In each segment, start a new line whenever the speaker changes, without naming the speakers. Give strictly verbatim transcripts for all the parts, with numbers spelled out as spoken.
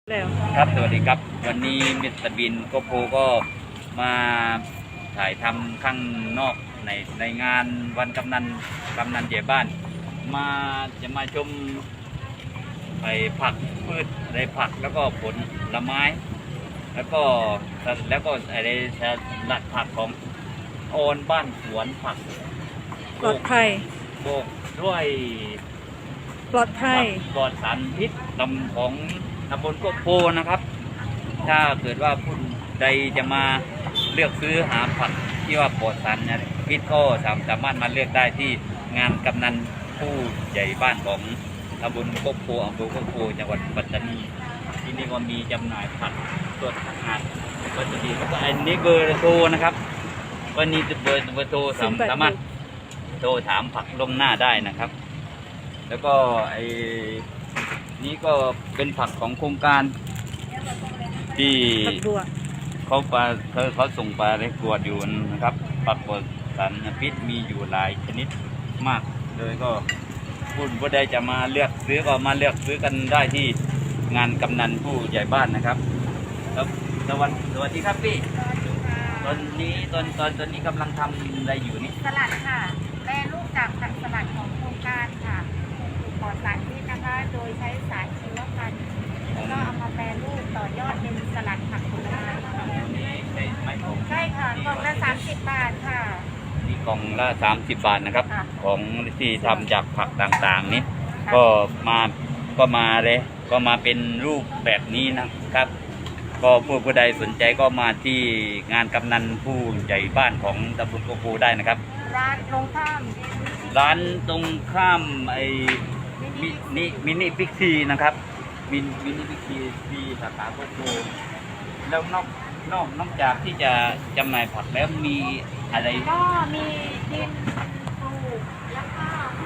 แล้ว
ครับสวัสดีครับวันนี้มิสเตอร์บินโกโปก็มาถ่ายทำข้างนอกในในงานวันกำนันกำนันใหญ่บ้านมาจะมาชมไอ้ผักพืชในผักแล้วก็ผลไม้ แล้วก็แล้วก็อะไรสลัดผักของโอนบ้านสวนผัก
ปลอดภัย
โบกด้วย
ปลอดภัย
ปลอดสารพิษตำของตำบลโกโพนะครับถ้าเกิดว่าผู้ใดจะมาเลือกซื้อหาผักที่ว่าปลอดสารพิษก็สามารถมาเลือกได้ที่งานกำนันผู้ใหญ่บ้านของตำบลโกโพอำเภอโกโพจังหวัดปัตตานีที่นี่ก็มีจำหน่ายผักสดอาหารก็จะดีแล้วก็อันนี้เบอร์โทรนะครับวันนี้เบอร์เบอร์โทรสามารถโทรถามผักล่วงหน้าได้นะครับแล้วก็ไอ้นี้ก็เป็นผักของโครงการที่เขาปลาเขาเขาส่งปลาได้กวดอยู่นะครับผักปลอดสารพิษมีอยู่หลายชนิดมากเลยก็ผู้ผู้ใดจะมาเลือกซื้อก็มาเลือกซื้อกันได้ที่งานกำนันผู้ใหญ่บ้านนะครับครับสวัสดีสวัสดีครับพี่ตอนนี้ตอนตอนตอนนี้กำลังทำอะไรอยู่นี่
สลัดค่ะแปรรูปจากผักสลัดของโครงการค่ะปลอดสารพิษนะคะโดยใช้สารชีวพันธุ์แล้วก็เอามาแปรรูปต่อยอดเป็นสลัดผักผลไม้ค่ะใช่ค่ะกล่องละสามสิบบาทค่ะ
นี่กล่องละสามสิบบาทนะครับของที่ทำจากผักต่างๆนี้ก็มาก็มาเลยก็มาเป็นรูปแบบนี้นะครับก็ผู้ผู้ใดสนใจก็มาที่งานกำนันผู้ใหญ่บ้านของตำบลโกโพได้นะครับ
ร้านตรงข้าม
ร้านตรงข้ามไอ้มินิมินิพิกซีนะครับมินิมินิพิกซีที่สาขาโกโพแล้วนอกนอกนอกจากที่จะจำหน่ายผักแล้วมีอะไร
ก็มีดินปลูกแล้วก็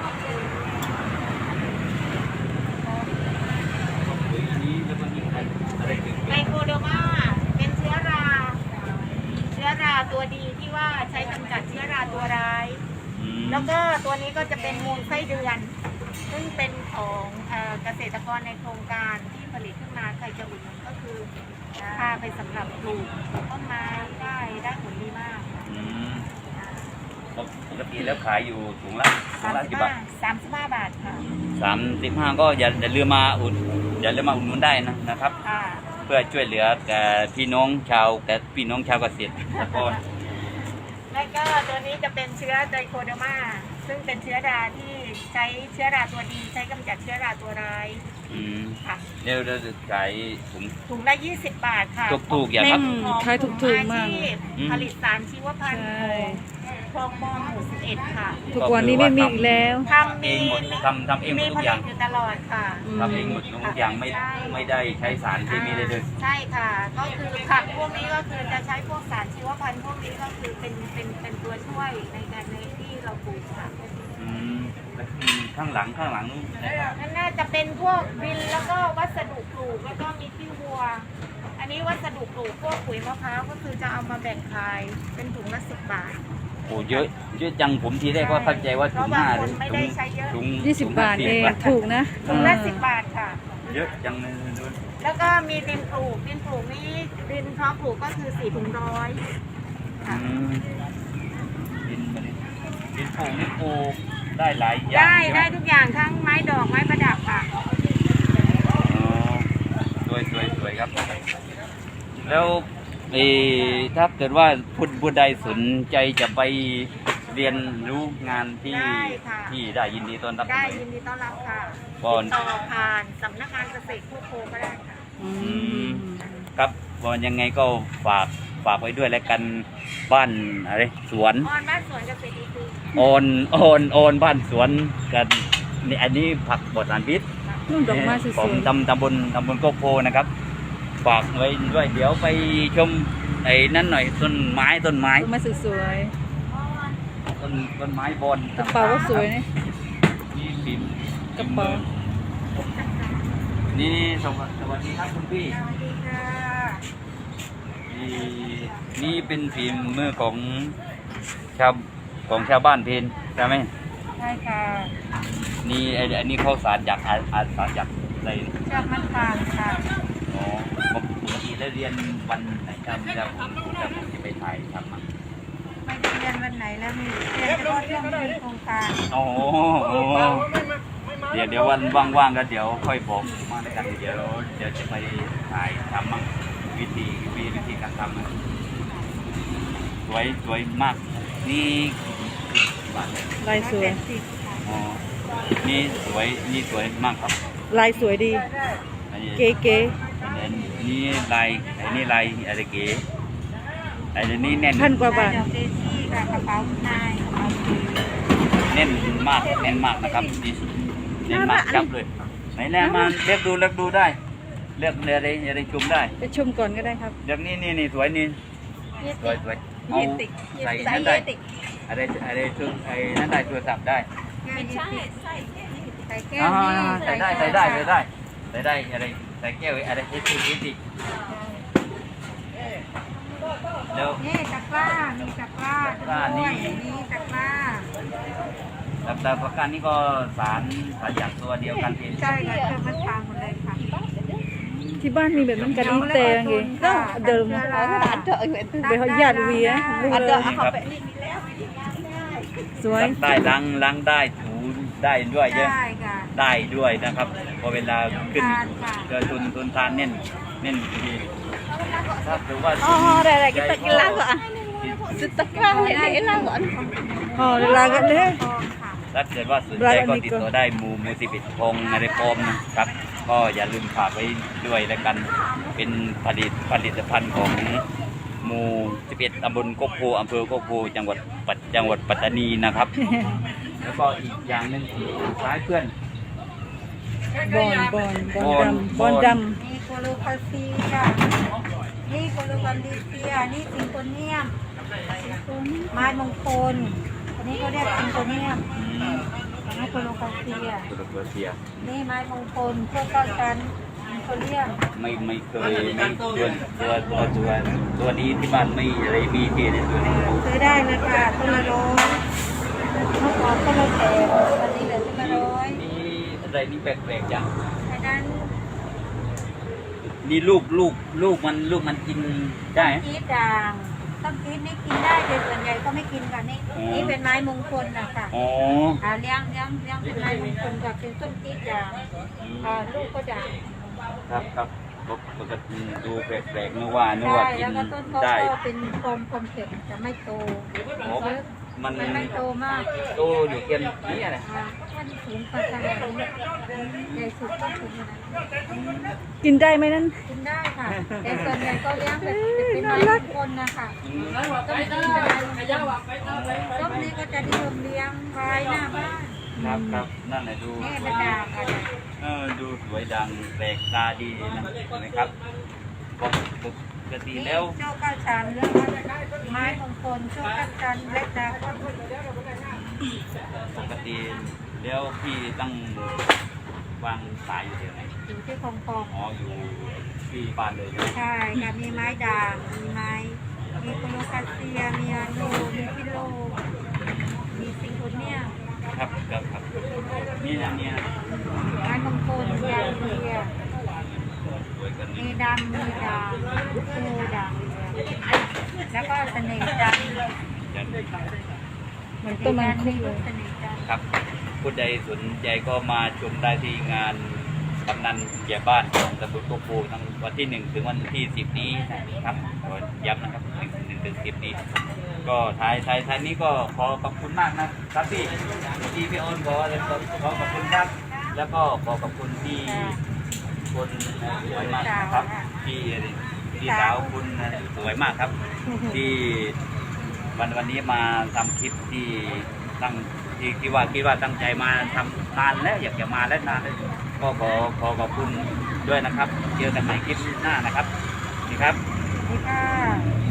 ไกลโคโดมาเป็นเชื้อราเชื้อราตัวดีที่ว่าใช้กำจัดเชื้อราตัวร้ายแล้วก็ตัวนี้ก็จะเป็นมูลไส้เดือนซึ่งเป็นของเกษตรกรในโครงการที่ผลิตขึ้นมาใครจะอุดหนุนก็คือพาไปสำหรับปลูกต้นไม้ได้ได้ผลดีมาก
ปกติแล้วขายอยู่ถุงละถุงละกี่บาท
สามสิบห้าบาทค่ะ
สามสิบห้าก็อย่าอย่าลืมมาอุดอย่าลืมมาอุดหนุนได้นะนะครับเพื่อช่วยเหลือแก่พี่น้องชาวแก่พี่น้องชาวเกษตรกร
แล้วก็ตัวนี้จะเป็นเชื้อไตรโคเดอร์มาซึ่งเป็นเชื้อราที่ใช้เชื้อราตัวดีใช้กำจัดเชื้อราตัวร้าย
อืมค่ะเดี๋ยวเราจะขายถุง
ถุงละยี่สิบบาทค่ะ
ถูกๆอย่างครับ
ขายถูกๆมาก
ผลิตสารชีวพันธุ์คลองมอหมู่สิบเอ็ดค่ะ
ทุกวันนี้ไม่มีอีกแล้ว
ทำเองหมด
ทำทำเองหมดทุกอย่าง
อยู่ตลอดค่ะ
ทำเองหมดทุกอย่างไม่ไม่ได้ใช้สารเคมีเลยเลย
ใช่ค่ะก็คือผักพวกนี้ก็คือจะใช้พวกสารชีวพันธุ์พวกนี้ก็คือเป็นเป็นเป็นตัวช่วยในการในที่เราปลูกค่ะ
อืมข้างหลังข้างหลัง
นั่นน่าจะเป็นพวกดินแล้วก็วัสดุปลูกแล้วก็มีขี้วัวอันนี้วัสดุปลูกพวกปุ๋ยมะพร้าวก็คือจะเอามาแบ่งขายเป็นถุงละสิบบาท
โอ้เยอะเยอะจังผมทีแรกก็เข้าใจว่าถุงห้าเลย
ถุง
ยี่สิบบาทเองถูกนะ
ถุงละสิบบาทค่ะ
เยอะจังเลย
แล้วก็มีดินปลูกดินปลูกนี้ดินเพาะปลูกก็คือสี่ถุงร้อย
ค่ะดินดินปลูกนี่ปลูกได้หลายอย่าง
ได้ได้ทุกอย่างทั้งไม้ดอกไม้ประดับค่ะ
สวยสวยสวยครับแล้วถ้าเกิดว่าผู้ผู้ใดสนใจจะไปเรียนรู้งานที่ที่ได้ยินดีต้อนรับ
ได้ยินดีต้อนรับค่ะติดต่อผ่านสำนักงานเกษตรผู้โคก็ได้ค่ะ
ครับวันยังไงก็ฝากฝากไว้ด้วยแล้วกันบ้านอะไรสวน
ออนบ้านสวนเกษตรดีคือ
ออนออนออนบ้านสวนกันนี่อันนี้ผักปลอดสารพิษของตำตำบลตำบลโกโพนะครับฝากไว้ด้วยเดี๋ยวไปชมไอ้นั่นหน่อยต้นไม้ต้นไม้
ต้นไม้สวย
ๆต้นต้นไม้บน
กระเป๋าก็สวยนี่
นี่ฟิล์ม
กระเป๋า
นี่สวัสดีครับคุณพี่
สวัสดีค่ะ
นี่นี่เป็นฟิล์มมือของชาวของชาวบ้านเพนใช่ไหม
ใช่ค่ะ
นี่ไอ้อันนี้ข้าวสารจากอาสารจากอะไร
จากมันฝางค่ะ
อ๋อเรียนวันไหนครับจะผมจะผมจะไปถ่ายทำมา
ไม่ได้เรียนวันไหนแล้วมีเรียนเฉพาะช่วงมีโครงการ
โอ้โหเดี๋ยวเดี๋ยววันว่างๆก็เดี๋ยวค่อยบอกมาในกันเดี๋ยวเดี๋ยวจะไปถ่ายทำมั่งวิธีวิธีการทำนะสวยสวยมากนี่บ้านเลย
ลายสวย
อ๋อนี่สวยนี่สวยมากครับ
ลายสวยดี
อันนี้
เก๋เก๋
อันนี้ลายอันนี้ลายอะไรเก๋อันนี้แน่น
พันกว่าบาท
ดอกเดซี่กับกระเป๋านายกระเป๋าสี
แน่นมากแน่นมากนะครับนี่แน่นมากจับเลยไหนแรกมาเลือกดูเลือกดูได้เลือกอะไรอะไรชมได้
ไปชมก่อนก็ได้ครับ
เลือกนี่นี่นี่สวยนี่สวยสวยเอาใส่นั่นได้อะไรอะไรชุดไอ้นั่นได้โทรศัพท์ได้
ไม่ใช่ใส่ใส่แก้ว
อ่า
นี่
ใส่ได้ใส่ได้ใส่ได้ใส่ได้อะไรใส่แก้วอะไรเอสซีเอสซีแล้ว
นี่ตะกร้ามีตะกร้า
ตะกร้านี่
ด้วยนี่ตะกร้า
แต่แต่ประกันนี้ก็สารสารอย่างตัวเดียวกันเอง
ใช่ค่ะเครื่องมันทางหมดเลยค่ะ
ที่บ้านมีแบบนั้นกันอีแต่ไงเดิมไปเขาญาติเวียลูกเลย
ครับ
สวย
ล้างได้ล้างล้างได้ถูได้ด้วยเยอะ
ได้ค่ะ
ได้ด้วยนะครับพอเวลาขึ้น
ทานค่ะ
เจอทุนทุนทานเน้นเน้นดีถ้าถือว่า
อ๋ออะไรๆkita kelas kok ah. Setelah ni elah kok. Oh, lagat deh.
ทองค่ะ
ถ้าเกิดว่าสนใจก็ติดต่อได้หมู่หมู่สิบเอ็ดพงในปอมนะครับ ก็อย่าลืมฝากไว้ด้วยแล้วกันเป็นผลิตผลิตภัณฑ์ของหมู่สิบเอ็ดตำบลโคกโพอำเภอโคกโพจังหวัดปัตจังหวัดปัตตานีนะครับ แล้วก็อีกอย่างหนึงคล้ายเพื่อน
บอนบอนบอนดำบอนด
นี่โคโลคาเซียนี่โคโลคาลิเซียนี่ซิงโกเนียมไม้มงคลอันนี้เขาเรียกซิงโกเนียม
อืม
อันนี้โคโลคาเซีย
ตุรกีเซีย
นี่ไม้มงคลพวกเก้าชั้นซิงโกเนียม
ไม่ไม่เคยไม่ตัวตัวตัวตัวตัวนี้ที่บ้านไม่อะไรมีที่ในตัวนี้
ซื้อได้เลยค่ะต้นละร้อยเมื่อก่อนต้นละแสนวันนี้เหลือต้นละร้อย
มีอะไรนี่แปลกๆจัง
อันนั้น
นี่ลูกลูกลูกมันลูกมันกินได้ไหม
กีดด่างต้นกีดนี่กินได้แต่ส่วนใหญ่ก็ไม่กินค่ะนี่
อ๋อ
นี่เป็นไม้มงคลนะคะ
อ๋อ
อ่าเลี้ยงเลี้ยงเลี้ยงเป็นไม้มงคลค่ะเป็นต้นกีดด่างอ่าลูกก็ด่าง
ครับครับปกติดูแปลกๆนึกว่านึก
ใช่
ว่ากิ
แล้ว
น
ก็ต้นเขา
ได้
ก็เป็นกลมกลมเสร็จจะไม่โต
โอ้มัน
มันไม่โตมาก
โตอยู่เกินนี้อะไร
อ่ามันสูงกว่าขนาดนี้ใหญ่สุดก็สูงขนาดนี้
ำกินได้ไหมนั่น
กินได้ค่ะ แต่ส่วนใหญ่ก็เลี้ยงแบบจะเป็นไม้มงคลนะคะต้นนี้เป็นไม้มงคลต้นนี้ก็จะนิยมเลี้ยงไว้หน้าบ้าน
ครับครับนั่นแหละดู
นี่เป็นด่างค่ะ
เออดูสวยดังแปลกตาดีนะนะครับปกติ
นี่
แล้ว
โชคเก้าชั้นเรื่องไม้มงคลโชคเก้าชั้นเล็กดา
ปกติแล้วพี่ตั้งวางสายอยู่ที่ไหน
อยู่ที่คลองคลอง
อ๋ออยู่ที่บ้านเลยใช่ไหม
ใช่ค่ะมีไม้ด่างมีไม้มีโคโลคาเซียมีอาโนมีพิโลมีซิงโกเนียม
ครับครับครับนี่นะเนี่ย
ไม้มงคลยางเรีย
สวยกัน
มี
นี่
ดำมีด่างคูด่างเรียแล้วก็เสน่ห์จันทร์
ยัน
เหมือนต้นมังคุด
มี
เล
ลู
ย
กเสน่ห์จันทร์
ครับผู้ใดสนใจก็มาชมได้ที่งานกำนันใหญ่บ้านของตำบลโคกโพทั้งวันที่หนึ่งถึงวันที่สิบนี้ครับขอย้ำนะครับหนึ่งหนึ่งถึงสิบนี้ ก็ท้ายท้ายท้ายนี้ก็ขอขอบคุณมากนะครับพี่ที่พี่โอนขอขอขอบคุณครับ แล้วก็ขอขอบคุณที่คนสวยมากนะครับที่ที่สาวคุณสวยมากครับ ที่วันวันนี้มาทำคลิปที่ตั้งที่ที่ว่าคิดว่าตั้งใจมาทำนานแล้วอยากจะมาแล้วนานแล้วก็ขอขอขอบคุณด้วยนะครับ เจอกันใหม่คลิปหน้านะครับนี่ครับ
นี่ค่ะ